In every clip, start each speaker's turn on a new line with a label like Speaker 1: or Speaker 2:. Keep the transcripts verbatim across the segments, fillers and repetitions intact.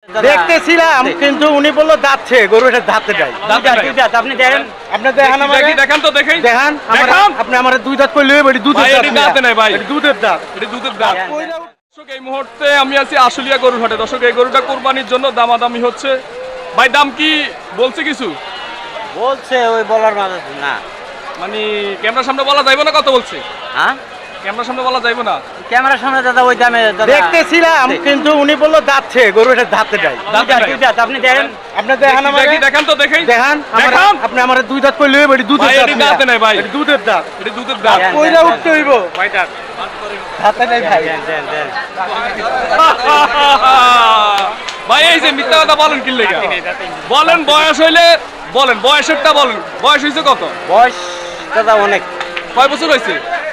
Speaker 1: দেখতেছিলাম কিন্তু উনি বললো যাচ্ছে গরুটা দাঁতে যায়।
Speaker 2: আপনি দেখেন
Speaker 1: আপনি দেখেন আমাকে
Speaker 3: দেখান তো দেখেন
Speaker 1: দেখান
Speaker 3: দেখান।
Speaker 1: আপনি আমার দুই দাঁত কইলে এটি দুধের
Speaker 3: ভাই,
Speaker 1: দাঁত
Speaker 3: এটি দাঁতে নাই ভাই।
Speaker 1: এটি দুধের দাঁত।
Speaker 3: এটা দুধের দাঁত। দর্শক, এই মুহূর্তে আমি আছি আশুলিয়া গরুর হাটে। দর্শক, এই গরুটা কোরবানির জন্য দামাদামি হচ্ছে। ভাই, দাম কি বলছে কিছু?
Speaker 2: বলছে ওই বলার মাঝে না,
Speaker 3: মানে ক্যামেরার সামনে বলা যাইব না কত বলছে?
Speaker 2: হ্যাঁ
Speaker 3: ক্যামেরার সামনে বলা যাইব না।
Speaker 2: ক্যামেরার সামনে দাদা ওই দামে দাদা
Speaker 1: দেখতেছিলাম কিন্তু উনি বললো যাচ্ছে গরুটা দাঁতে যায়।
Speaker 3: দাঁতে নাই।
Speaker 2: দুই দাঁত, আপনি দেখেন
Speaker 1: আপনি দেখেন আমাকে
Speaker 3: দেখি, দেখান তো দেখেন
Speaker 1: দেখান আমার
Speaker 3: দেখান।
Speaker 1: আপনি আমার দুই দাঁত কইলে এটি দুধের
Speaker 3: ভাই,
Speaker 1: দাঁত।
Speaker 3: এটি দাঁতে নাই ভাই।
Speaker 1: এটি দুধের দাঁত।
Speaker 3: এটা দুধের দাঁত।
Speaker 2: দেন,
Speaker 1: কইরা
Speaker 2: দেন,
Speaker 1: উঠতে হইব
Speaker 3: ভাই, দাঁত।
Speaker 1: দাঁতে নাই ভাই।
Speaker 2: দেন, দেন, দেন।
Speaker 3: ভাই, এই যে মিথ্যা কথা বলেন কি লেগে? বলেন বয়স হইলে বলেন, বয়সেরটা বলেন। বয়স হয়েছে কত?
Speaker 2: বয়স দাদা অনেক,
Speaker 3: কয় বছর হয়েছে?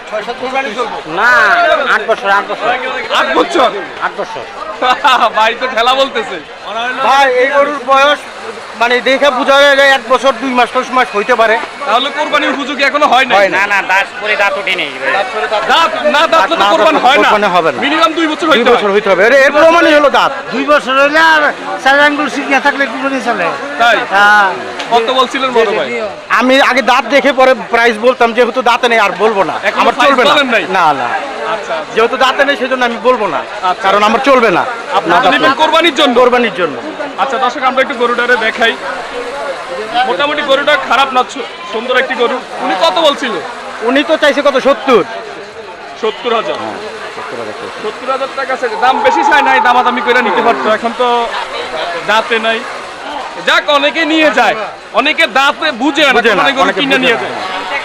Speaker 2: না আট বছর আট বছর
Speaker 3: আট বছর।
Speaker 2: আট বছর
Speaker 3: ভাই তো খেলা বলতেছে।
Speaker 1: ভাই এই গরুর বয়স মানে দেখে বোঝা যায় এক বছর দুই মাস দশ মাস হইতে পারে।
Speaker 3: তাহলে কোরবানির উপযোগী এখনো হয় না।
Speaker 1: হয় না।
Speaker 2: না দাঁত পরে দাঁত উঠে নেই
Speaker 3: দাঁত না দাঁত তো
Speaker 1: না
Speaker 3: কোরবানি
Speaker 1: দাঁত
Speaker 3: হয় না।
Speaker 1: কোরবানি হবে না।
Speaker 3: মিনিমাম দুই বছর
Speaker 1: দুই
Speaker 3: হইতে
Speaker 1: বছর
Speaker 3: হয়।
Speaker 1: হইতে হবে। এর- এর প্রমাণই হলো দাঁত।
Speaker 2: দুই বছর হইলে আর চার আঙ্গুল শিখিয়ে থাকলে কুকুরি চলে।
Speaker 3: তাই কত বলছিলেন বড় ভাই?
Speaker 1: আমি আগে দাঁত দেখে পরে প্রাইস বলতাম, যেহেতু দাঁতে নেই আর বলবো না,
Speaker 3: এখনো
Speaker 1: আমার
Speaker 3: price
Speaker 1: চলবে না।
Speaker 3: বলেন নাই?
Speaker 1: না না
Speaker 3: আচ্ছা,
Speaker 1: যেহেতু দাঁতে নেই সেজন্য আমি বলবো না,
Speaker 3: আচ্ছা।
Speaker 1: কারণ আমার চলবে না।
Speaker 3: আপনারা
Speaker 1: দাঁত
Speaker 3: নেবেন
Speaker 1: নেই।
Speaker 3: কোরবানির জন্য?
Speaker 1: কোরবানির জন্য।
Speaker 3: আচ্ছা দর্শক, আমরা একটু গরুটারে দেখাই। মোটামুটি গরুটা খারাপ না, সু- সুন্দর একটি গরু। উনি কত বলছিল?
Speaker 1: উনি তো চাইছে কত সত্তর।
Speaker 3: সত্তর হাজার সত্তর হাজার টাকা চাইছে। দাম বেশি চাই নাই, দামাদামি করে নিতে পারতো। এখন তো দাঁতে নাই। যাক, অনেকে নিয়ে যায়, অনেকে দাঁতে বুঝে না,
Speaker 1: বুঝে না,
Speaker 3: অনেক গরু
Speaker 1: অনেকে
Speaker 3: কিনে
Speaker 1: বুঝে
Speaker 3: নিয়ে
Speaker 1: না।
Speaker 3: যায়।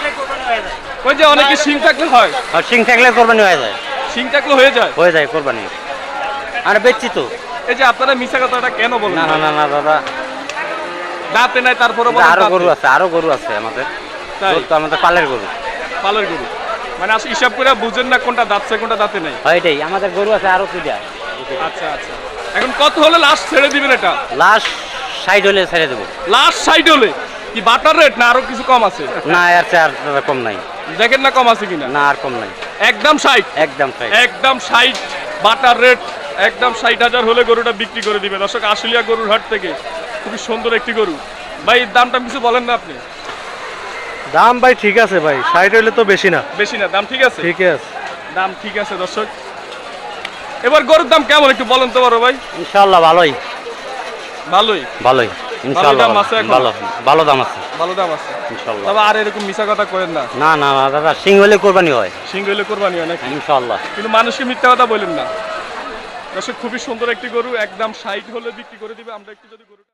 Speaker 3: ওই যে অনেকে শিং থাকলে হয়,
Speaker 2: আর সিং থাকলে কোরবানি হয়ে যায়,
Speaker 3: শিং থাকলে হয়ে যায়।
Speaker 2: হয়ে যায় কোরবানি। আর বেচছি তো।
Speaker 3: এই যে আপনারা মিশা কথাটা কেন বলেন?
Speaker 2: না না না না দাদা,
Speaker 3: দাঁতে নাই তারপরে
Speaker 2: আরো গরু আছে, আরো গরু আছে আমাদের।
Speaker 3: তাই?
Speaker 2: গরু তো আমাদের পালের গরু।
Speaker 3: পালের গরু মানে আসলে হিসাব করে বুঝেন না কোনটা দাঁতছে কোনটা দাঁতে নাই।
Speaker 2: হয় এটাই, আমাদের গরু আছে আরো দুইটা।
Speaker 3: আচ্ছা আচ্ছা, এখন কত হলে লাস্ট ছেড়ে দিবেন এটা?
Speaker 2: লাস্ট সাইড হলে ছেড়ে দেবো।
Speaker 3: লাস্ট সাইড হলে কি বাটার রেট না আরো কিছু কম আছে?
Speaker 2: না আর চার দাদা কম নাই।
Speaker 3: দেখেন না কম আছে কিনা।
Speaker 2: না আর কম নাই,
Speaker 3: একদম ষাট।
Speaker 2: একদম সাইড।
Speaker 3: একদম ষাট বাটার রেট, একদম ষাট হাজার হলে গরুটা বিক্রি করে দিবে। দর্শক, আশুলিয়া গরুর হাট থেকে খুবই সুন্দর একটি গরু। ভাই, দামটা কিছু বলেন না আপনি?
Speaker 1: দাম ভাই ঠিক আছে ভাই, ষাট হইলে তো বেশি না।
Speaker 3: বেশি না, দাম ঠিক আছে।
Speaker 1: ঠিক আছে।
Speaker 3: দাম ঠিক আছে দর্শক। এবার গরুর দাম কেমন একটু বলেন তো বড় ভাই?
Speaker 2: ইনশাআল্লাহ ভালোই
Speaker 3: ভালোই।
Speaker 2: ভালোই ইনশাআল্লাহ
Speaker 3: দাম আছে এখন?
Speaker 2: ভালো ভালো দাম আছে
Speaker 3: ভালো দাম আছে
Speaker 2: ইনশাআল্লাহ।
Speaker 3: তবে আর এরকম মিছা কথা করেন না।
Speaker 2: না না না দাদা, সিং হলে কোরবানি হয়
Speaker 3: সিং হইলে কোরবানি হয় নাকি?
Speaker 2: ইনশাআল্লাহ।
Speaker 3: কিন্তু মানুষকে মিথ্যা কথা বলেন না। দর্শক, খুবই সুন্দর একটি গরু, একদম ষাট হলে বিক্রি করে দিবে। আমরা একটু যদি গরু